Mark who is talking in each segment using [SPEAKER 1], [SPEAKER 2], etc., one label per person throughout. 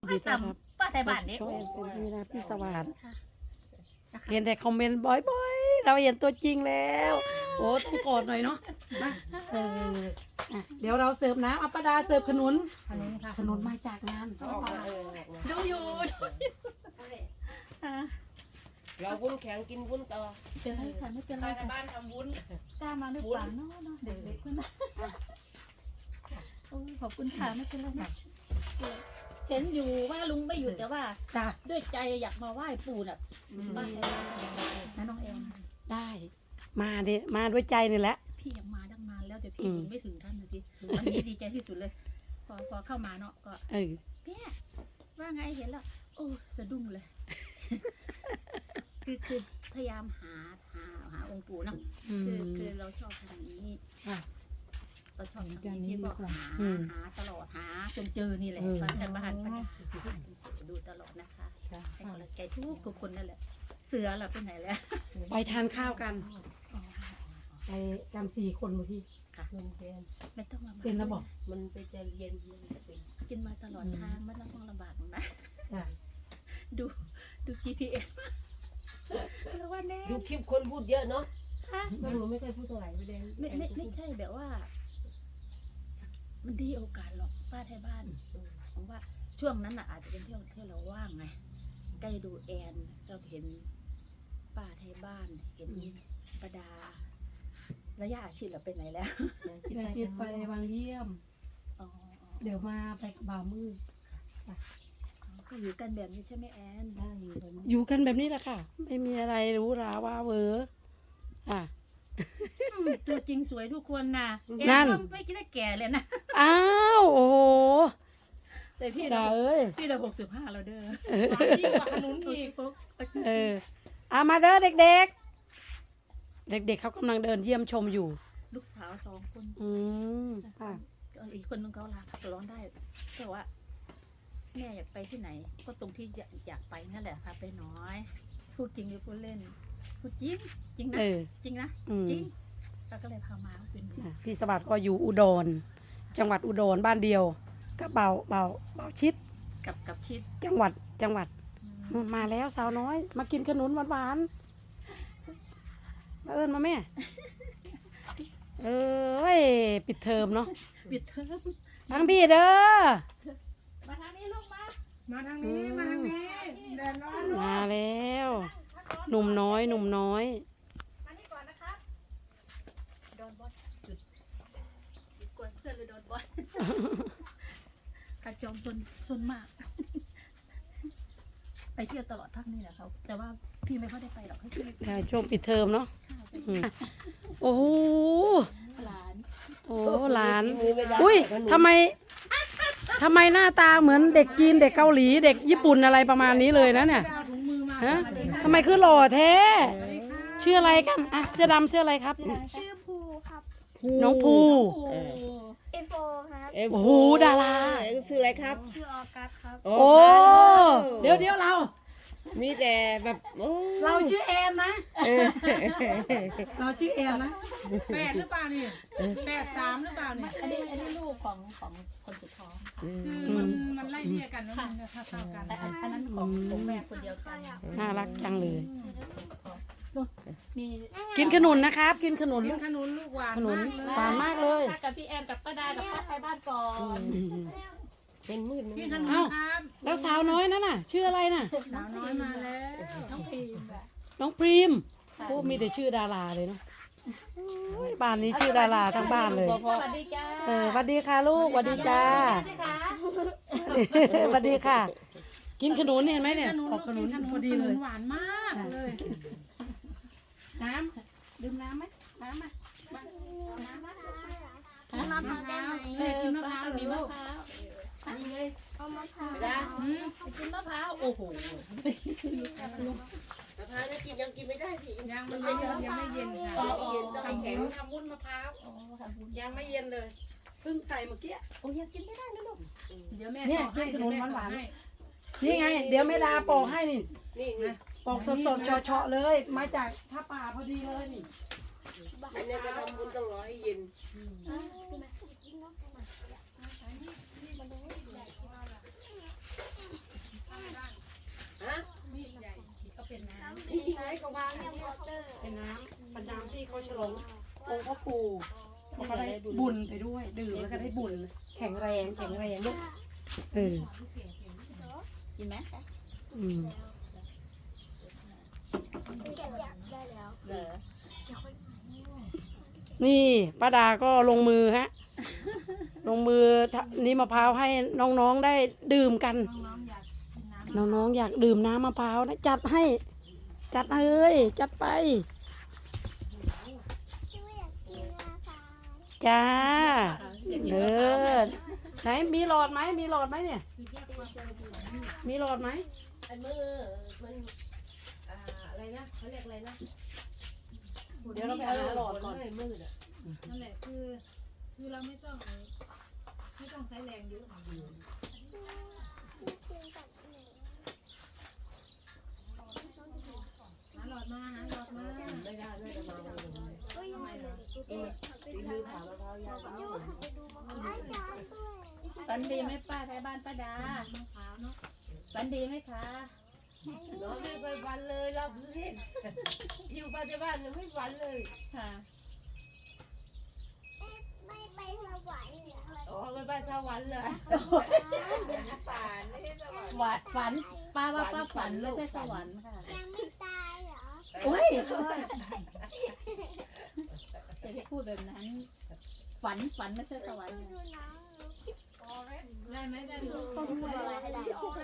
[SPEAKER 1] ดีต้อนรับ
[SPEAKER 2] ป้าไทยบ้านนี่
[SPEAKER 1] ช่วยเป็นที่นะพี่สวัสดิ์
[SPEAKER 2] นะคะ
[SPEAKER 1] เห็นแต่คอมเมนต์บ่อยๆ เราเห็นตัวจริงแล้ว โอ้ต้องกอดหน่อยเนาะมาอ่ะเดี๋ยวเราเสิร์ฟน้ำอัปปดาเสิร์ฟขนุน
[SPEAKER 2] ขนุนค่ะ
[SPEAKER 1] ขนุนมาจากงาน
[SPEAKER 2] ดูอยู่อ่ะ
[SPEAKER 3] เราวุ้นแข็งกินวุ้นต่อ
[SPEAKER 2] เป็นไรค่ะไม่เป็นไรค่ะ
[SPEAKER 3] บ้านทำวุ้น
[SPEAKER 2] กล้ามาหรือเปล่าเนาะเด็กๆคนนั้นโอ้ยขอบคุณค่ะไม่เป็นไรนะเห็นอยู่ว่าลุงไม่อยู่แต่ว่า
[SPEAKER 1] จ้ะ
[SPEAKER 2] ด้วยใจอยากมาไหว้ปู่น่ะบ้านไทยบ้านนะน้องแอน
[SPEAKER 1] ได้มาดิมาด้วยใจนี่แหละ
[SPEAKER 2] พี่อยากมาตั้งนานแล้วแต่พี่ยังไม่ถึงท่านนะพี่วันนี้ดีใจที่สุดเลย พอเข้ามาเนาะก็
[SPEAKER 1] เออ
[SPEAKER 2] พี่ว่าไงเห็นแล้วโอ้สะดุ้งเลย คือพยายามหาองค์ปู่เนาะ
[SPEAKER 1] อืม
[SPEAKER 2] คือเราชอบทางนี้
[SPEAKER 1] ค่ะ
[SPEAKER 2] เราชอบทางนี้พี่ก็หาตลอดหาจนเจอนี่แหละ
[SPEAKER 1] เออ
[SPEAKER 2] บ้านกันบ้านดูตลอดนะคะให้กำลังใจทุกคนนั่นแหละ เสือเราไปไหนแล้ว
[SPEAKER 1] ไปทานข้าวกัน ไปกัน4 คนเมื่อกี้
[SPEAKER 2] ค่ะไม่ต้องลำบาก
[SPEAKER 1] เป็นระบอก
[SPEAKER 3] มันไปจะเย็นเป็น
[SPEAKER 2] กินมาตลอดทางไม่ต้องลำบากนะ
[SPEAKER 1] จ้ะ
[SPEAKER 2] ดู GPS แล้วว่าแน่
[SPEAKER 3] ดูคลิปคนพูดเยอะเนาะ
[SPEAKER 2] ค่ะ
[SPEAKER 3] หนูไม่เคยพูดเท่าไหร่ไม่ได้
[SPEAKER 2] ไม่ใช่แบบว่า มันดีโอกาสหรอกป้าไทยบ้านผมว่าช่วงนั้นน่ะอาจจะเป็นที่เราว่างไงใกล้ดูแอนเราเห็นป้าไทยบ้าน เห็นประดาระยะอาชีพเราไปไหนแล้ว
[SPEAKER 1] เดี๋ยวคิดไปบางเยี่ยม
[SPEAKER 2] อ๋อ
[SPEAKER 1] เดี๋ยวมาไปกับบ่าวมือ
[SPEAKER 2] ก็อยู่กันแบบนี้ใช่ไหมแอน
[SPEAKER 1] ได้อยู่แบบนี้อยู่กันแบบนี้แหละค่ะ ไม่มีอะไรหรู้ราว่าเวออ่ะ
[SPEAKER 2] ตัวจริงสวยทุกคนนะแอ
[SPEAKER 1] นั่
[SPEAKER 2] น
[SPEAKER 1] น
[SPEAKER 2] ก็ไม่คิดได้แก่เลยนะ
[SPEAKER 1] อ้าวโอ้โห
[SPEAKER 2] แต่พี่
[SPEAKER 1] ดาเอ้ย
[SPEAKER 2] พี่เรา65แล้วเด้อ
[SPEAKER 3] ยิ่งกว่าขนุนอีก
[SPEAKER 1] เออเอามาเด้อเด็กๆ เด็กๆเขากำลังเดินเยี่ยมชมอยู่
[SPEAKER 2] ลูกสาว2 คน
[SPEAKER 1] อืมค่ะ
[SPEAKER 2] อีกคนนึงเขาลาร้องได้แต่ว่าแม่อยากไปที่ไหน ก็ตรงที่อยากไปนั่นแหละค่ะไปน้อย พูดจริงหรือพูดเล่น พูดจริงจริงนะ
[SPEAKER 1] เออ
[SPEAKER 2] จริงนะ
[SPEAKER 1] อืม
[SPEAKER 2] จริงเราก็เลยพามาเป็น
[SPEAKER 1] อ่ะพี่สวัสดิ์ก็อยู่อุดร จังหวัดอุดรบ้านเดียวก็เบาชิด
[SPEAKER 2] กับชิด
[SPEAKER 1] จังหวัดนู่นมาแล้วสาวน้อย มากินขนุนหวานๆมาเอิญมาแม่ เอ้ยปิดเทอมเนาะ
[SPEAKER 2] ปิดเทอม
[SPEAKER 1] ทั้งพี่เด้อ
[SPEAKER 2] มาทางนี้ลูกมา
[SPEAKER 3] มาทางนี้มาทางนี้แดดร้อน
[SPEAKER 1] มาแล้ว หนุ่มน้อย
[SPEAKER 2] มานี่ก่อนนะคะโดนบอสจุดกวนเพื่อนหรือโดนบอสกระจอมซนมาก ไปเที่ยวตลอดทั้งนี้แหละเขาแต่ว่าพี่ไม่ค่อยได้ไปหรอกให้พี่
[SPEAKER 1] ได้ช่วงปิดเทอมเนาะอืมโอ้โห
[SPEAKER 2] หลาน
[SPEAKER 1] โอ้หลาน
[SPEAKER 3] มือไม่ได้
[SPEAKER 1] อุ้ยทำไมหน้าตาเหมือนเด็กจีนเด็กเกาหลีเด็กญี่ปุ่นอะไรประมาณนี้เลยนะเนี่ยฮะทำไมคือหล่อแท้ชื่ออะไรกันอ่ะเสื้อดำเสื้ออะไรครับ
[SPEAKER 4] ชื่อภูครับ
[SPEAKER 1] น้องภู
[SPEAKER 2] โอ้
[SPEAKER 4] เอโฟครับ
[SPEAKER 1] โอ้โหดารา
[SPEAKER 3] ชื่ออะไรครับ
[SPEAKER 4] ชื่อออกัสครับ
[SPEAKER 1] โอ้เดี๋ยวเรา
[SPEAKER 3] มีแต่แบบโอ้
[SPEAKER 1] เราชื่อแอนนะเราชื่อแอนนะ
[SPEAKER 5] 8 หรือเปล่านี่83 หรือเปล่านี่
[SPEAKER 2] อันนี้ลูกของคนสุดท้องค่ะ
[SPEAKER 5] คือมันไล่เรียกกันแล้วมันเท่ากัน
[SPEAKER 2] แต่อันนั้นของแม่คนเดียวกัน
[SPEAKER 1] น่ารักจังเลย
[SPEAKER 2] มี
[SPEAKER 1] กินขนุนนะครับ กินขนุน
[SPEAKER 5] กินขนุนลูกหวาน
[SPEAKER 1] ขนุน
[SPEAKER 5] มากเลย
[SPEAKER 1] หวานมากเลย
[SPEAKER 2] กับพี่แอนกับป้าดากับป้าไทยบ้านก่อน
[SPEAKER 3] เป็นมืด
[SPEAKER 5] กินขนุน
[SPEAKER 1] เอ้า
[SPEAKER 5] ครับ
[SPEAKER 1] แล้วสาวน้อยนั่นน่ะ ชื่ออะไรน่ะ
[SPEAKER 5] สาวน้อยมาแล้ว
[SPEAKER 2] น้องพีมแบบ
[SPEAKER 1] น้องพรีมโอ้มีแต่ชื่อดาราเลยเนาะโอ้ยบ้านนี้ชื่อดาราทั้งบ้านเลย
[SPEAKER 2] สวัสดีจ้า
[SPEAKER 1] สวัสดีค่ะลูกสวัสดีจ้า
[SPEAKER 2] สิคะ
[SPEAKER 1] สวัสดีค่ะ กินขนุนเห็นไหมเนี่ย
[SPEAKER 5] ขนุน
[SPEAKER 1] ออกขนุน
[SPEAKER 5] กิน
[SPEAKER 1] พอดีเลย
[SPEAKER 5] หวานมากเลย
[SPEAKER 1] น้ำดื่มน้ำไหมน้ำมา
[SPEAKER 2] น้ำมะ
[SPEAKER 4] กินมะพร้าวได้ไหม
[SPEAKER 5] กินมะพร้าว
[SPEAKER 2] มี
[SPEAKER 5] เหรอ
[SPEAKER 2] มะ
[SPEAKER 5] ลูก
[SPEAKER 2] พร้าว
[SPEAKER 3] นี่ไง
[SPEAKER 4] เอามะพร้าว
[SPEAKER 2] กินมะพร้าวโอ้โห
[SPEAKER 3] มะพร้าวกินยังกินไม่ได้พี่
[SPEAKER 5] ยังไม่เย็นยังไม่เย็นค่ะ
[SPEAKER 3] เย็นต้องแข็ง
[SPEAKER 1] ทำวุ้นมะพร้าว
[SPEAKER 2] โอ้ค่ะคุณ
[SPEAKER 1] ยังไม่เย็นเลยเพิ่งใส่เมื่อกี้
[SPEAKER 2] โอ้ยังกินไม่ได้นะลูก
[SPEAKER 5] เดี๋ยวแม่
[SPEAKER 1] เนี่ย
[SPEAKER 5] สอให้
[SPEAKER 1] กินขนุนหวานๆ
[SPEAKER 5] ให้
[SPEAKER 1] นี่ไง เดี๋ยวแม่ดาปอกให้นี่
[SPEAKER 3] นี่
[SPEAKER 1] ปอกสดๆเฉาะๆเลย มาจากท่าป่าพอดีเลยนี่
[SPEAKER 3] อันนี้ไปทำบุญต้องรอให้เย็น
[SPEAKER 4] กินมะพร้าว
[SPEAKER 3] นี่ไงก็วาง
[SPEAKER 4] ำ
[SPEAKER 3] เนี่ย
[SPEAKER 4] วอเตอร์
[SPEAKER 1] เป็นน้ำเป็นน้ำที่เขาฉลององค์พ่อปู่เขาก็ได้บุญไปด้วยดื่มแล้วก็ได้บุญแข็งแรงลูกเออ
[SPEAKER 2] กินไหม
[SPEAKER 1] อืม
[SPEAKER 4] เก็บอยากได้แล้ว
[SPEAKER 2] เหรอ
[SPEAKER 1] นี่ป้าดาก็ลงมือฮะ ลงมือนี่มะพร้าวให้น้องๆได้ดื่มกัน น้องๆอยากดื่มน้ำมะพร้าวนะจัดให้ จัดเลยจัดไป
[SPEAKER 4] ที่ว่าอยากกินนะคะ
[SPEAKER 1] จ้าเลิศไหนมีหลอดไหมมีหลอดไหมเนี่ย มีหลอดไหม
[SPEAKER 3] อันมือมันอะไรนะเขาเรียกอะไรนะ
[SPEAKER 1] เดี๋ยวเราไปหาหลอดก่อน
[SPEAKER 3] ให้มืดอ่ะ
[SPEAKER 5] นั่นแหละคือเราไม่ต้องใช้แรงเยอะ
[SPEAKER 4] ไม่กินกับหนู
[SPEAKER 5] หาหลอดมาหาหลอดมา
[SPEAKER 3] ไม่ได้ไม่ได้มาเลย
[SPEAKER 4] ก็ยังไม่เลยกูก็หันไป
[SPEAKER 3] ตี
[SPEAKER 4] ดู
[SPEAKER 3] มือผ่ามะพร้าวยาว
[SPEAKER 4] ดูหันไปดูมันได้จานด้วย
[SPEAKER 2] ฝันดีไหมป้าไทยบ้านป้าดาม
[SPEAKER 5] ะพร้าวเนาะ
[SPEAKER 2] ฝันดีไหมคะ
[SPEAKER 3] น้องไม่ไปวันเลยเราเรียกอยู่ปัจจุบันยังไม่วันเลย
[SPEAKER 2] ค่ะ
[SPEAKER 4] ไม่ไปสวรรค์เหรอ
[SPEAKER 3] อ๋อไม่ไปสวรรค์เลยฝันไม่ใช่สวรรค์
[SPEAKER 2] ฝันป้าว่าป้าฝันไม่ใช่สวรรค์ค่ะ
[SPEAKER 4] ยังไม่ตายเหรอ
[SPEAKER 2] โอ้ยจะได้พูดแบบนั้น ฝันไม่ใช่สวรรค์
[SPEAKER 4] ดูน้อง
[SPEAKER 5] ได้ไหมได้
[SPEAKER 4] ต้องพูดอะไรให้ได้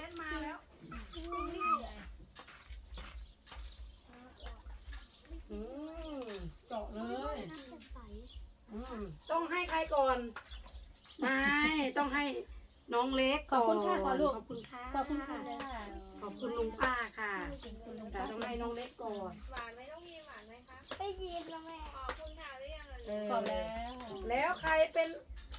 [SPEAKER 1] อืมเจาะเลย
[SPEAKER 4] น้ำใส
[SPEAKER 1] ต้องให้ใครก่อนไม่ต้องให้น้องเล็ก
[SPEAKER 2] ขอบคุณค่ะขอลูก
[SPEAKER 1] ขอบคุณค่ะ
[SPEAKER 2] ขอบคุณค่ะ
[SPEAKER 1] ขอบคุณลุงป้าค่ะแต่ต้องให้น้องเล็กก่อน
[SPEAKER 3] หวานไหมต้องมีหวานไหมคะ
[SPEAKER 4] ไปยินแล้วแม่
[SPEAKER 3] ขอบคุณค่ะหรือยัง
[SPEAKER 1] เออ
[SPEAKER 2] ขอบแล้ว
[SPEAKER 1] แล้วใครเป็น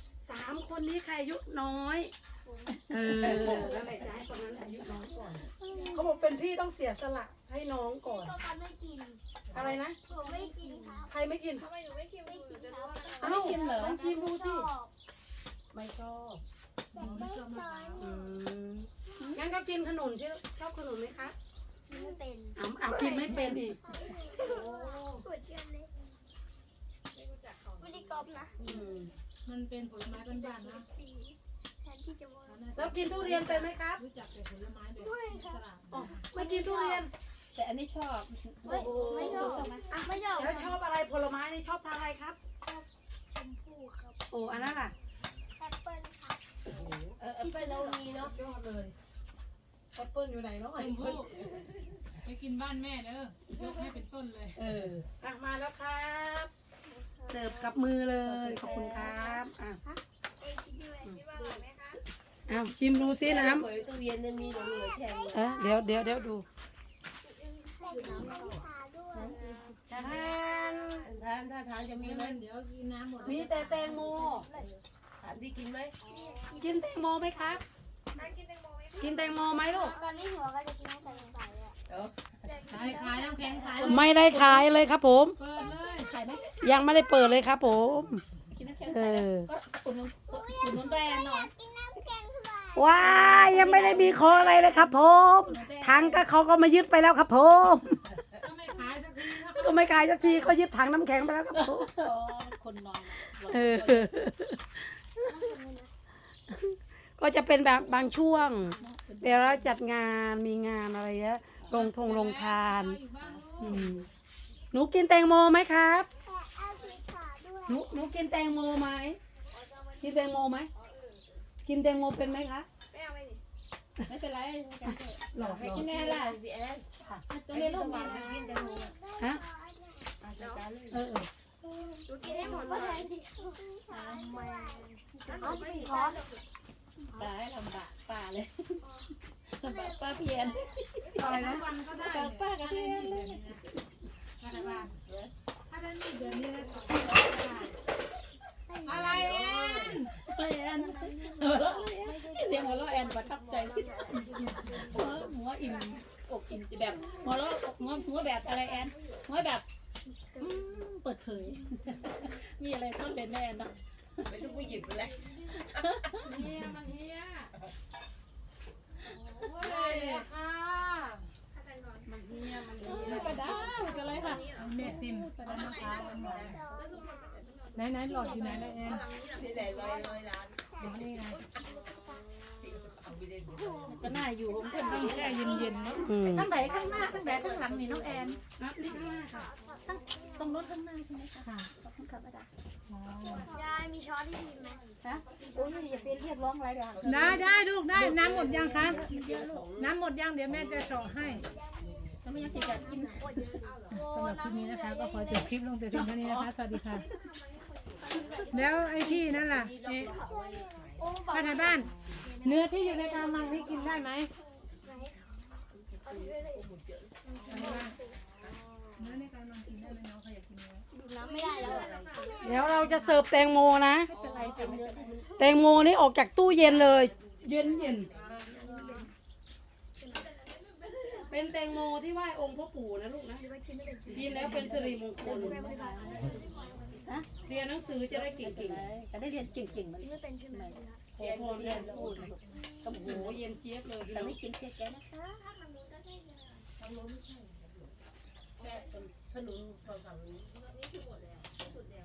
[SPEAKER 1] 3 คนนี้ใครอายุน้อยเออแล้วไหนจะให้คนนั้นอายุน้อยก่อนเขาบอกเป็นพี่ต้องเสียสละให้น้องก่อน
[SPEAKER 4] ก็กันไม่กิน
[SPEAKER 1] อะไรนะ
[SPEAKER 4] ผมไม่กินครับ
[SPEAKER 1] ใครไม่กิน
[SPEAKER 3] ทำไมหนูไม่ชิม
[SPEAKER 4] ไม่
[SPEAKER 3] ดู
[SPEAKER 4] กิน
[SPEAKER 3] จะ
[SPEAKER 4] ค
[SPEAKER 3] รู้
[SPEAKER 4] รับ
[SPEAKER 3] ว่า
[SPEAKER 1] เอ้าลองชิมดูสิ
[SPEAKER 4] ชอบ
[SPEAKER 1] ไม่ชอบ
[SPEAKER 4] แต่ไม่ตอน
[SPEAKER 1] งั้นก็กินขนุนที่ชอบขนุนไหมคะ
[SPEAKER 4] ไม่เป็น
[SPEAKER 1] เอากินไม่เป็นอีก
[SPEAKER 4] ปวดเยอะเลย
[SPEAKER 3] ไม่รู้จักเขา
[SPEAKER 4] ไม่ได้กรอบนะ
[SPEAKER 5] มันเป็นผลไม้บ้านๆนะ
[SPEAKER 4] แทนที่จะว่า
[SPEAKER 1] แล้วกินทุเรียนเป็นไหมครับ
[SPEAKER 5] รู้จักแต่ผลไม้แบบตลาด
[SPEAKER 1] อ๋อไม่กินทุเรียน
[SPEAKER 2] แต่อันนี้ชอบ
[SPEAKER 4] ไม่ชอบไม่ชอบ
[SPEAKER 1] แล้วชอบอะไรผลไม้นี่ชอบทานอะไรครับ
[SPEAKER 4] ชมพู่ครับ
[SPEAKER 1] โอ้อันนั้นล่ะ
[SPEAKER 4] แอปเปิ้ลครับ
[SPEAKER 3] ไปเรามีเนาะ
[SPEAKER 1] ยอดเลยแอปเปิ้ลอยู่ไหนเนาะ
[SPEAKER 5] ชมพู่ไปกินบ้านแม่เด้อยกให้เป็นต้นเลย
[SPEAKER 1] เอออ่ะมาแล้วครับ เสิร์ฟกับมือเลยขอบคุณครับอ่ะ
[SPEAKER 4] เอ็กซ์ด้วย
[SPEAKER 3] คิดว่าอร่อยไหมคะ
[SPEAKER 1] เอาชิมดูซิน้
[SPEAKER 3] เปิดตู้เย็นเนี่ยมีเหลือแข็งเลย
[SPEAKER 1] ำเดี๋ยวดู
[SPEAKER 4] แต่กินน้ำชาด้วย
[SPEAKER 1] ทาน
[SPEAKER 3] ถ้าทานจะมีไหม
[SPEAKER 5] เดี๋ยวกินน้ำหมด
[SPEAKER 1] มีแต่แตงโม
[SPEAKER 3] ถามพี่กินไหม
[SPEAKER 1] กินแตงโมไหมครับ
[SPEAKER 3] กินแตงโมไหม
[SPEAKER 1] กินแตงโมไหมลูก
[SPEAKER 4] ตอนนี้หัวก็จะกินน้ำใสๆอ่ะ
[SPEAKER 5] ขายน้ำแข็งใส
[SPEAKER 1] ไม่ได้ขายเลยครับผม
[SPEAKER 5] เปิดเลย
[SPEAKER 2] ขายไหม
[SPEAKER 1] ยังไม่ได้เปิดเลยครับผม
[SPEAKER 2] กินน้ำแข็ง
[SPEAKER 1] เอ
[SPEAKER 2] ใสแล้ว
[SPEAKER 1] อ
[SPEAKER 2] ก็อุ่นนุ่นแบรนด์หน่อย
[SPEAKER 4] กินน้ำแข็งใส
[SPEAKER 1] ว้ายยังไม่ได้มีขออะไรเลยครับผม ถังก็เขาก็มายึดไปแล้วครับผม
[SPEAKER 5] ก็ไม่ขายสักทีนะ
[SPEAKER 1] ก็ไม่ขายสักทีเขายึดถังน้ำแข็งไปแล้วครับผม
[SPEAKER 2] อ๋อคนนอน
[SPEAKER 1] เออ ก็จะเป็นแบบบางช่วง เวลาจัดงานมีงานอะไรเงี้ยลงทาน
[SPEAKER 5] อยู่บ้าน
[SPEAKER 1] อืมหนูกินแตงโมไหมครับ
[SPEAKER 4] แต่เอาสีขาวด้วย
[SPEAKER 1] หนูกินแตงโมไหมกินแตงโมไหมกินแตงโมเป็นไหมคะ
[SPEAKER 3] ไม่เอาไหมนี่
[SPEAKER 2] ไม่เป็นไร
[SPEAKER 1] หลอก
[SPEAKER 2] กินแม่ล่ะ
[SPEAKER 3] พี่แอน
[SPEAKER 2] ตัวนี้ลูก
[SPEAKER 3] หวา
[SPEAKER 2] มา
[SPEAKER 3] นกินแตงโม
[SPEAKER 1] ฮะ
[SPEAKER 3] จัดการเลย
[SPEAKER 1] เออ
[SPEAKER 3] ดูกินให้หมดเล
[SPEAKER 4] ก็
[SPEAKER 3] ย
[SPEAKER 4] แทนที่ทำไมเอาสีขาว
[SPEAKER 2] ได้ลำบากป้าเลยลำบากป้าเพียน
[SPEAKER 1] อะไรนะ
[SPEAKER 5] วันก็ได้
[SPEAKER 2] ลำบากป้ากับเพียนเลย
[SPEAKER 5] ถ้าได้มีเดือนนี้ได้อะไรเอ็น
[SPEAKER 2] แอนหัวเราะเสียงหัวเราะแอนประทับใจที่สุดหัวอิ่มอกอิ่มแบบหัวเราะหัวแบบอะไรแอนหัวแบบเปิดเผยมีอะไรซ่อนเร้นแน่นะ
[SPEAKER 3] ไม่ต้องไปหยิบเลย
[SPEAKER 5] เฮียมันเฮีย
[SPEAKER 1] โอ้ยค่ะมันเฮีย
[SPEAKER 5] ไหนหลอดอยู่ไหนนะแอน
[SPEAKER 3] นี่แหละ100 ล้าน
[SPEAKER 5] นี่ไง
[SPEAKER 3] เอาไปเล่น
[SPEAKER 2] ก็น่าอยู่ผมก็
[SPEAKER 5] ต้องแช่เย็นๆเนาะ
[SPEAKER 1] อืม
[SPEAKER 2] ข้างไหนข้างหน้าข้างไหนข้างหลังนี่น้องแอน
[SPEAKER 1] นี่ข้างหน้าค่ะ
[SPEAKER 2] ตรงรถข้างหน้าใช่ไหมคะ
[SPEAKER 5] ค่ะ
[SPEAKER 2] ขอบคุณครับอาจารย์
[SPEAKER 4] ยายมีช้อนที่ดีไหม
[SPEAKER 2] ฮะโอ้ยอย่าไปเรียกร้องอะไรเดี๋ยว
[SPEAKER 5] ได้ลูกได้น้ำหมดยังคะน้ำหมดยังเดี๋ยวแม่จะเฉาะให้
[SPEAKER 2] แล้วไม่ยังติดกิน
[SPEAKER 5] สำหรับคลิปนี้นะคะ ก็ขอจบคลิปลงแต่เพียงเท่านี้นะคะ สวัสดีค่ะ แล้วไอ้ที่นั่นล่ะเอ๊ะ
[SPEAKER 4] โอ้บอก
[SPEAKER 5] ป้าไทยบ้าน เนื้อที่อยู่ในกระมังพี่กินได้ไหมเนื้อในกระมังกินได้ไหมน้องเขาอยากกินเนื้อ
[SPEAKER 4] ดูน้ำไม่ได้แล้วอะ
[SPEAKER 1] เดี๋ยวเราจะเสิร์ฟแตงโมนะ
[SPEAKER 2] เป็นไรเป็นเนื้อที่มัน
[SPEAKER 1] แตงโมนี่ออกจากตู้เย็นเลย เย็นเป็นแตงโมที่ไหว้องค์พ่อปู่นะลูกนะกินแล้วเป็นสิริมงคล
[SPEAKER 2] นะ
[SPEAKER 1] เรียนหนังสือจะได้เก่ง
[SPEAKER 2] จะได้เรียนเก่งๆมัน
[SPEAKER 4] ไม่เป็นใช่ไหม
[SPEAKER 1] ๆขอพรเรียนพูดโอ้โหเย็นเจี๊ยบเลยพี่
[SPEAKER 2] แต่
[SPEAKER 1] น้อง
[SPEAKER 2] ไม่กินเค้กแกนะคะ
[SPEAKER 3] ถนนฝั่งนี้คือหมดแล้วสุดแล้ว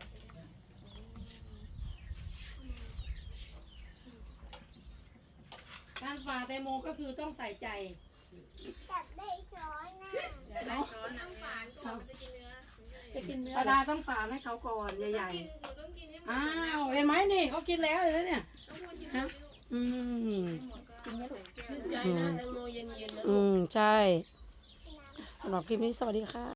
[SPEAKER 1] การฝ่าแตงโมก็คือต้องใส่ใจ
[SPEAKER 4] จับได้ช้อนนะ
[SPEAKER 2] จะกินเนื้อ
[SPEAKER 1] ปาดาต้องฝ่าให้เขาก่อนใหญ่ๆอ้าวเห็นไหมนี่เขากินแล้วเห็นไหมเนี่ยฮะอืม
[SPEAKER 2] กินเนื้อถูก
[SPEAKER 3] ชื่นใจนะแตงโมเย็นๆนะ
[SPEAKER 1] ใช่สำหรับคลิปนี้สวัสดีค่ะ